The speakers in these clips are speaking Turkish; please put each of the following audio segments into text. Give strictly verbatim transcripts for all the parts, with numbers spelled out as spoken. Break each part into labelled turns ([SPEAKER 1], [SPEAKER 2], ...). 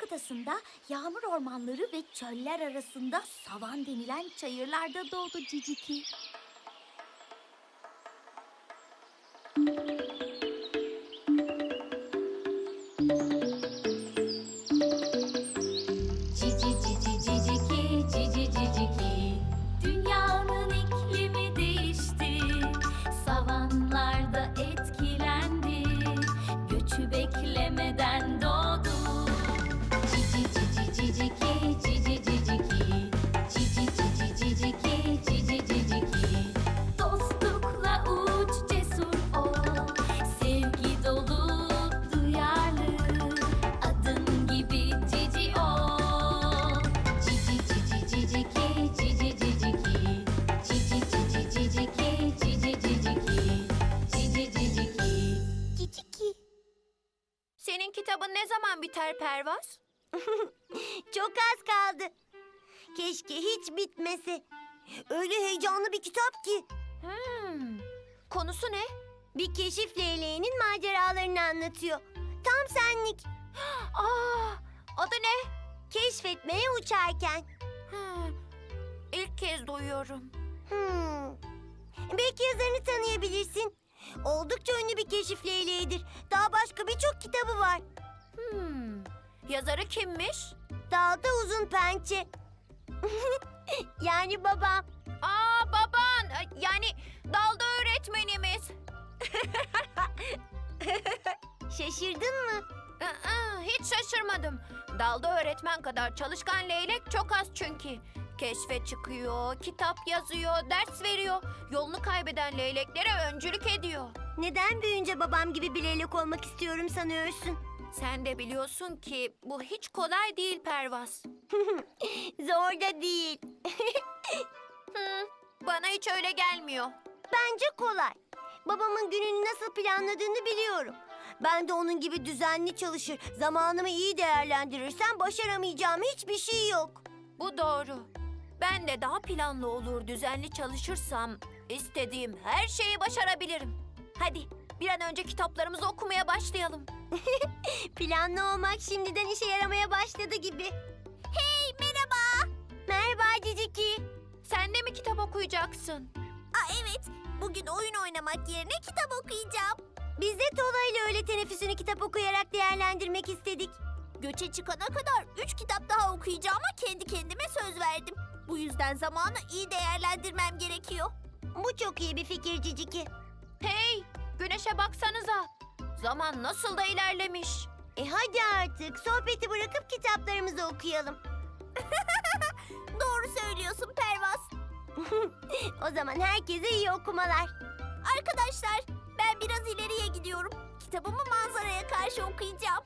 [SPEAKER 1] Adası'nda yağmur ormanları ve çöller arasında savan denilen çayırlarda doğdu Ciciki.
[SPEAKER 2] Cici cici ciciki, cici ciciki. Dünyanın iklimi değişti, savanlarda etkilendi, göçü beklemeden doğdu. Cici cici ciciki, cici ciciki. Cici cici ciciki, cici ciciki. Dostlukla uç, cesur ol, sevgi dolu, duyarlı, adın gibi cici ol. Cici cici ciciki, cici ciciki. Cici cici ciciki, cici ciciki. Cici ciciki.
[SPEAKER 1] Ciciki.
[SPEAKER 3] Senin kitabın ne zaman biter Pervaz?
[SPEAKER 4] Çok az kaldı. Keşke hiç bitmese. Öyle heyecanlı bir kitap ki.
[SPEAKER 3] Hmm. Konusu ne?
[SPEAKER 4] Bir keşif leyleğinin maceralarını anlatıyor. Tam senlik.
[SPEAKER 3] Aa, adı ne?
[SPEAKER 4] Keşfetmeye uçarken.
[SPEAKER 3] Hmm. İlk kez duyuyorum.
[SPEAKER 4] Hmm. Belki yazarını tanıyabilirsin. Oldukça ünlü bir keşif leyleğidir. Daha başka birçok kitabı var.
[SPEAKER 3] Hmm. Yazarı kimmiş?
[SPEAKER 4] Dalda uzun pençe. Yani babam.
[SPEAKER 3] Aa, baban. Ay, Yani dalda öğretmenimiz.
[SPEAKER 4] Şaşırdın mı?
[SPEAKER 3] Aa, hiç şaşırmadım. Dalda öğretmen kadar çalışkan leylek çok az çünkü. Keşfe çıkıyor, kitap yazıyor, ders veriyor. Yolunu kaybeden leyleklere öncülük ediyor.
[SPEAKER 4] Neden büyüyünce babam gibi bir leylek olmak istiyorum sanıyorsun?
[SPEAKER 3] Sen de biliyorsun ki bu hiç kolay değil Pervaz.
[SPEAKER 4] Zor da değil.
[SPEAKER 3] Hı, bana hiç öyle gelmiyor.
[SPEAKER 4] Bence kolay. Babamın gününü nasıl planladığını biliyorum. Ben de onun gibi düzenli çalışır, zamanımı iyi değerlendirirsem başaramayacağım hiçbir şey yok.
[SPEAKER 3] Bu doğru. Ben de daha planlı olur, düzenli çalışırsam istediğim her şeyi başarabilirim. Hadi bir an önce kitaplarımızı okumaya başlayalım.
[SPEAKER 4] Planlı olmak şimdiden işe yaramaya başladı gibi. Hey, merhaba. Merhaba Ciciki.
[SPEAKER 3] Sen de mi kitap okuyacaksın?
[SPEAKER 4] Aa, evet, bugün oyun oynamak yerine kitap okuyacağım. Biz de Tola ile öğle teneffüsünü kitap okuyarak değerlendirmek istedik. Göçe çıkana kadar üç kitap daha okuyacağıma kendi kendime söz verdim. Bu yüzden zamanı iyi değerlendirmem gerekiyor. Bu çok iyi bir fikir Ciciki.
[SPEAKER 3] Hey, güneşe baksanıza. Zaman nasıl da ilerlemiş.
[SPEAKER 4] E hadi artık sohbeti bırakıp kitaplarımızı okuyalım. Doğru söylüyorsun Pervaz. O zaman herkese iyi okumalar. Arkadaşlar, ben biraz ileriye gidiyorum. Kitabımı manzaraya karşı okuyacağım.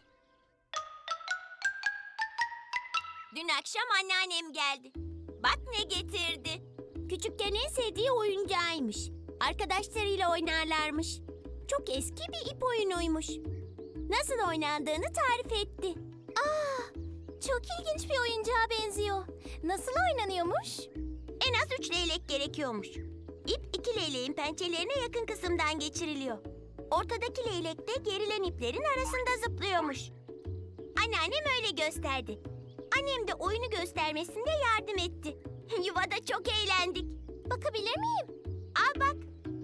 [SPEAKER 4] Dün akşam anneannem geldi. Bak ne getirdi. Küçükken en sevdiği oyuncağıymış. Arkadaşlarıyla oynarlarmış. Çok eski bir ip oyunuymuş. Nasıl oynandığını tarif etti. Aa, çok ilginç bir oyuncağa benziyor. Nasıl oynanıyormuş? En az üç leylek gerekiyormuş. İp iki leyleğin pençelerine yakın kısımdan geçiriliyor. Ortadaki leylek de gerilen iplerin arasında zıplıyormuş. Anneannem öyle gösterdi. Annem de oyunu göstermesinde yardım etti. Yuvada çok eğlendik. Bakabilir miyim? Al bak.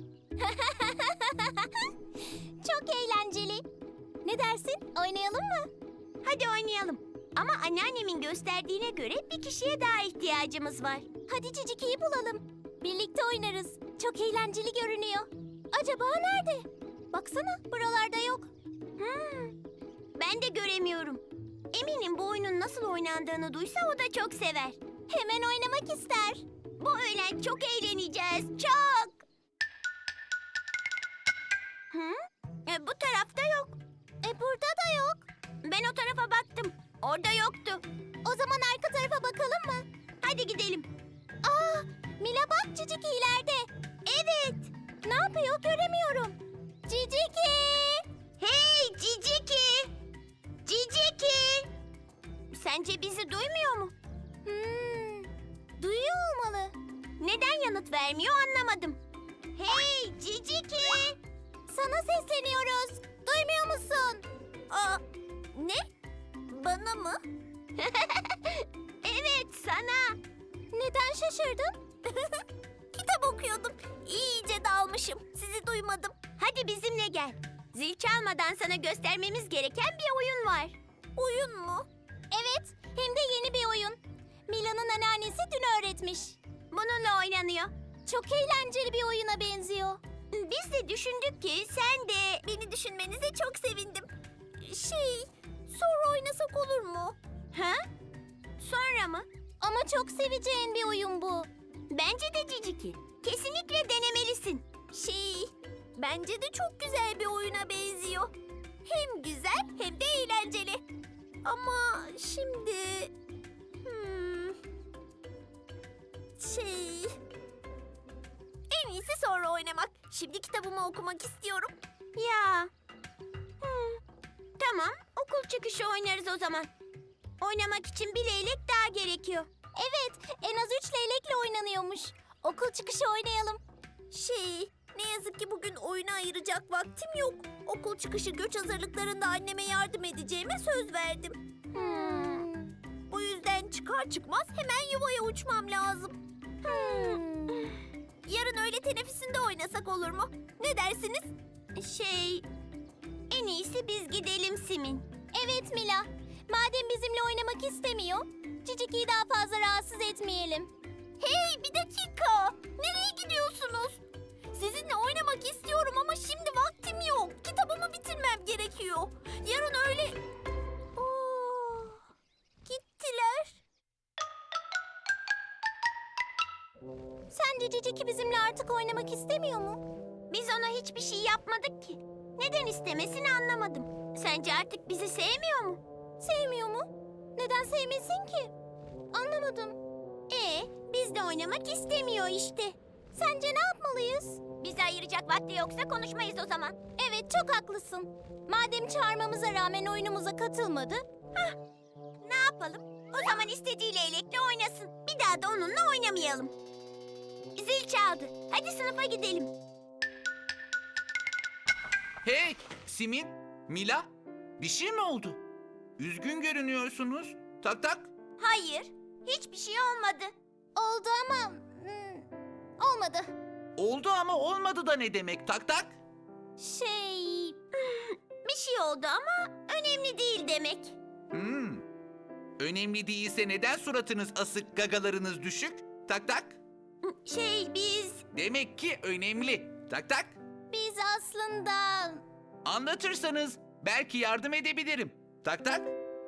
[SPEAKER 4] Çok eğlenceli. Ne dersin? Oynayalım mı? Hadi oynayalım. Ama anneannemin gösterdiğine göre bir kişiye daha ihtiyacımız var. Hadi Ciciki'yi bulalım. Birlikte oynarız. Çok eğlenceli görünüyor. Acaba nerede? Baksana, buralarda yok. Hmm, ben de göremiyorum. Eminim bu oyunun nasıl oynandığını duysa o da çok sever. Hemen oynamak ister. Bu öğlen çok eğleneceğiz. Çok. Hı? E, bu tarafta yok. E burada da yok. Ben o tarafa baktım. Orada yoktu. O zaman arka tarafa bakalım mı? Hadi gidelim. Aa, Mila bak Ciciki ileride. Evet. Ne yapıyor göremiyorum. Ciciki! Hey Ciciki! Ciciki! Sence bizi duymuyor mu? Hmm, duyuyor olmalı. Neden yanıt vermiyor anlamadım. Hey Ciciki! Sana sesleniyoruz. Duymuyor musun? Aa, ne? Bana mı? Evet, sana. Neden şaşırdın? Kitap okuyordum. İyice dalmışım. Sizi duymadım. Hadi bizimle gel. Zil çalmadan sana göstermemiz gereken bir oyun var. Oyun mu? Evet, hem de yeni bir oyun. Mila'nın anneannesi dün öğretmiş. Bununla oynanıyor. Çok eğlenceli bir oyuna benziyor. Biz de düşündük ki sen de... Beni düşünmenize çok sevindim. Şey, sonra oynasak olur mu? Ha? Sonra mı? Ama çok seveceğin bir oyun bu. Bence de Ciciki. Kesinlikle denemelisin. Şey, bence de çok güzel bir oyuna benziyor. Hem güzel hem de eğlenceli. Ama şimdi... Hmm, şey... En iyisi sonra oynamak. Şimdi kitabımı okumak istiyorum. Ya. Hmm, tamam, okul çıkışı oynarız o zaman. Oynamak için bir leylek daha gerekiyor. Evet, en az üç leylekle oynanıyormuş. Okul çıkışı oynayalım. Şey, ne yazık ki bugün oyuna ayıracak vaktim yok. Okul çıkışı göç hazırlıklarında anneme yardım edeceğime söz verdim. Hmm. O yüzden çıkar çıkmaz hemen yuvaya uçmam lazım. Hmm. Yarın öğle teneffüsünde oynasak olur mu? Ne dersiniz? Şey, en iyisi biz gidelim Simin. Evet Mila. Madem bizimle oynamak istemiyor, Ciciki'yi daha fazla rahatsız etmeyelim. Hey, bir dakika. Nereye gidiyorsunuz? Sizinle oynamak istiyorum ama şimdi vaktim yok. Kitabımı bitirmem gerekiyor. Yarın öyle... Oo, gittiler. Sence Ciciki bizimle artık oynamak istemiyor mu? Biz ona hiçbir şey yapmadık ki. Neden istemesini anlamadım. Sence artık bizi sevmiyor mu? Sevmiyor mu? Neden sevmesin ki? Anlamadım. Ee, bizle oynamak istemiyor işte. Sence ne yapmalıyız? Bizi ayıracak vakti yoksa konuşmayız o zaman. Evet, çok haklısın. Madem çağırmamıza rağmen oyunumuza katılmadı. Hah, ne yapalım? O zaman istediği leylekle oynasın. Bir daha da onunla oynamayalım. Zil çaldı. Hadi sınıfa gidelim.
[SPEAKER 5] Hey, Simin, Mila, bir şey mi oldu? Üzgün görünüyorsunuz. Tak tak.
[SPEAKER 4] Hayır, hiçbir şey olmadı. Oldu ama... hmm, olmadı.
[SPEAKER 5] Oldu ama olmadı da ne demek tak tak?
[SPEAKER 4] Şey... bir şey oldu ama önemli değil demek.
[SPEAKER 5] Hmm. Önemli değilse neden suratınız asık, gagalarınız düşük? Tak tak.
[SPEAKER 4] Şey biz...
[SPEAKER 5] Demek ki önemli. Tak tak.
[SPEAKER 4] Biz aslında...
[SPEAKER 5] Anlatırsanız belki yardım edebilirim. Tak tak.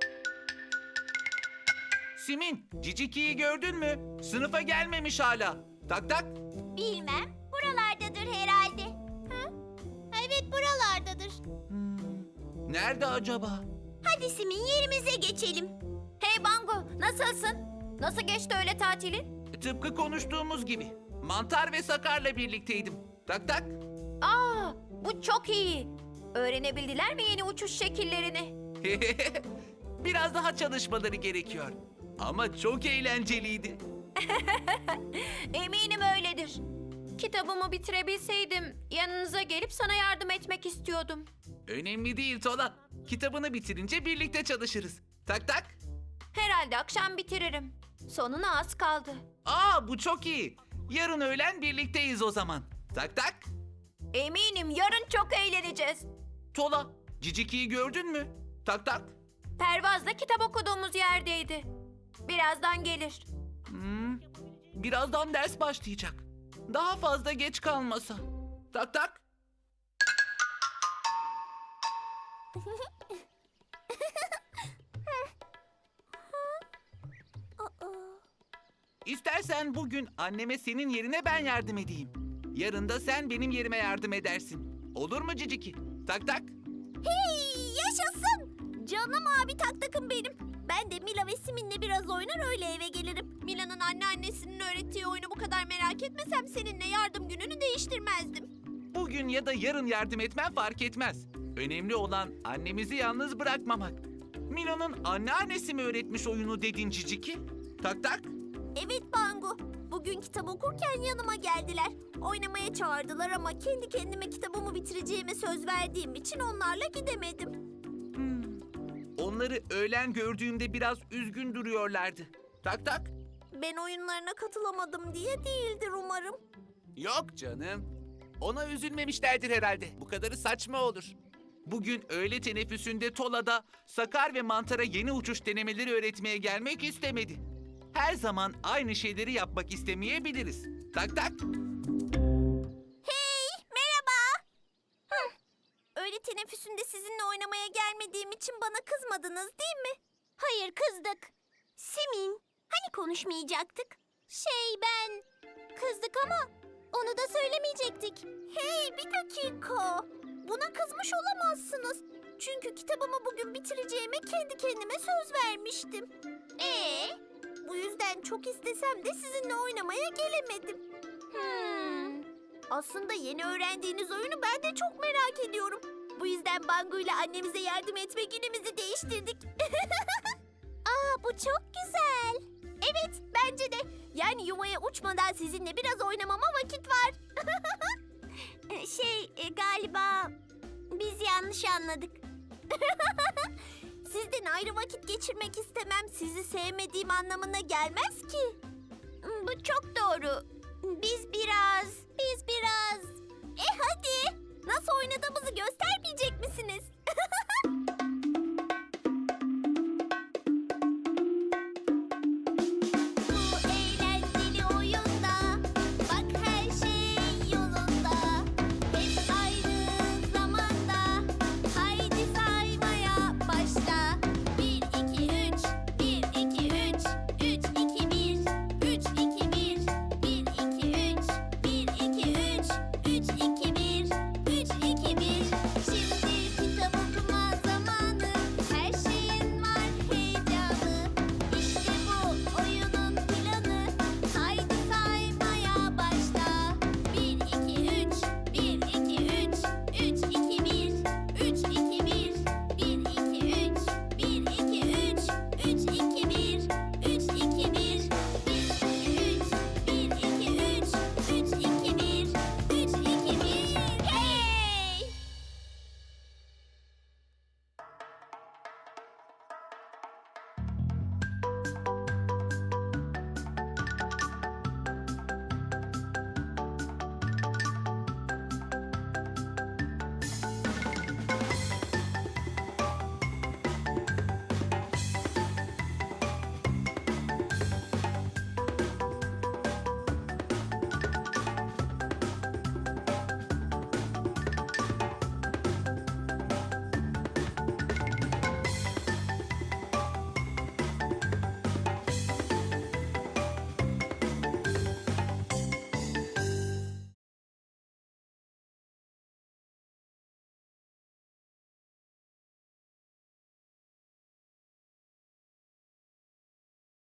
[SPEAKER 5] Simin, Ciciki'yi gördün mü? Sınıfa gelmemiş hala. Tak tak.
[SPEAKER 4] Bilmem, buralardadır herhalde. Hı? Evet, buralardadır.
[SPEAKER 5] Hmm. Nerede acaba?
[SPEAKER 4] Hadi Simin, yerimize geçelim.
[SPEAKER 3] Hey Bango, nasılsın? Nasıl geçti öğle tatili?
[SPEAKER 5] Tıpkı konuştuğumuz gibi. Mantar ve Sakar'la birlikteydim. Tak tak.
[SPEAKER 3] Aa, bu çok iyi. Öğrenebildiler mi yeni uçuş şekillerini?
[SPEAKER 5] Biraz daha çalışmaları gerekiyor. Ama çok eğlenceliydi.
[SPEAKER 3] Eminim öyledir. Kitabımı bitirebilseydim yanınıza gelip sana yardım etmek istiyordum.
[SPEAKER 5] Önemli değil Tola. Kitabını bitirince birlikte çalışırız. Tak tak.
[SPEAKER 3] Herhalde akşam bitiririm. Sonuna az kaldı.
[SPEAKER 5] Aa, bu çok iyi. Yarın öğlen birlikteyiz o zaman. Tak tak.
[SPEAKER 3] Eminim yarın çok eğleneceğiz.
[SPEAKER 5] Tola, Ciciki'yi gördün mü? Tak tak.
[SPEAKER 3] Pervaz'da kitap okuduğumuz yerdeydi. Birazdan gelir.
[SPEAKER 5] Hmm. Birazdan ders başlayacak. Daha fazla geç kalmasa. Tak tak. İstersen bugün anneme senin yerine ben yardım edeyim. Yarın da sen benim yerime yardım edersin. Olur mu Ciciki? Tak tak.
[SPEAKER 4] Hey, yaşasın! Canım abi tak takım benim. Ben de Mila ve Simin'le biraz oynar öyle eve gelirim. Mila'nın anneannesinin öğrettiği oyunu bu kadar merak etmesem seninle yardım gününü değiştirmezdim.
[SPEAKER 5] Bugün ya da yarın yardım etmen fark etmez. Önemli olan annemizi yalnız bırakmamak. Mila'nın anneannesi mi öğretmiş oyunu dedin Ciciki? Tak tak.
[SPEAKER 4] Evet Bangu. Bugün kitap okurken yanıma geldiler. Oynamaya çağırdılar ama kendi kendime kitabımı bitireceğime söz verdiğim için onlarla gidemedim.
[SPEAKER 5] Hmm. Onları öğlen gördüğümde biraz üzgün duruyorlardı. Tak tak.
[SPEAKER 4] Ben oyunlarına katılamadım diye değildir umarım.
[SPEAKER 5] Yok canım. Ona üzülmemişlerdir herhalde. Bu kadarı saçma olur. Bugün öğle teneffüsünde Tola'da Sakar ve Mantar'a yeni uçuş denemeleri öğretmeye gelmek istemedi. Her zaman aynı şeyleri yapmak istemeyebiliriz. Tak tak.
[SPEAKER 4] Hey, merhaba. Hıh. Öğle teneffüsünde sizinle oynamaya gelmediğim için bana kızmadınız değil mi? Hayır, kızdık. Simin, hani konuşmayacaktık? Şey ben... Kızdık ama onu da söylemeyecektik. Hey, bir dakika. Buna kızmış olamazsınız. Çünkü kitabımı bugün bitireceğime kendi kendime söz vermiştim. Ee? Bu yüzden çok istesem de sizinle oynamaya gelemedim. Hmm. Aslında yeni öğrendiğiniz oyunu ben de çok merak ediyorum. Bu yüzden Bangu ile annemize yardım etme günümüzü değiştirdik. Aa, bu çok güzel. Evet, bence de. Yani yuvaya uçmadan sizinle biraz oynamama vakit var. şey, e, galiba biz yanlış anladık. Sizden ayrı vakit geçirmek istemem sizi sevmediğim anlamına gelmez ki. Bu çok doğru. Biz biraz, biz biraz... E hadi, nasıl oynadığımızı göstermeyecek misiniz?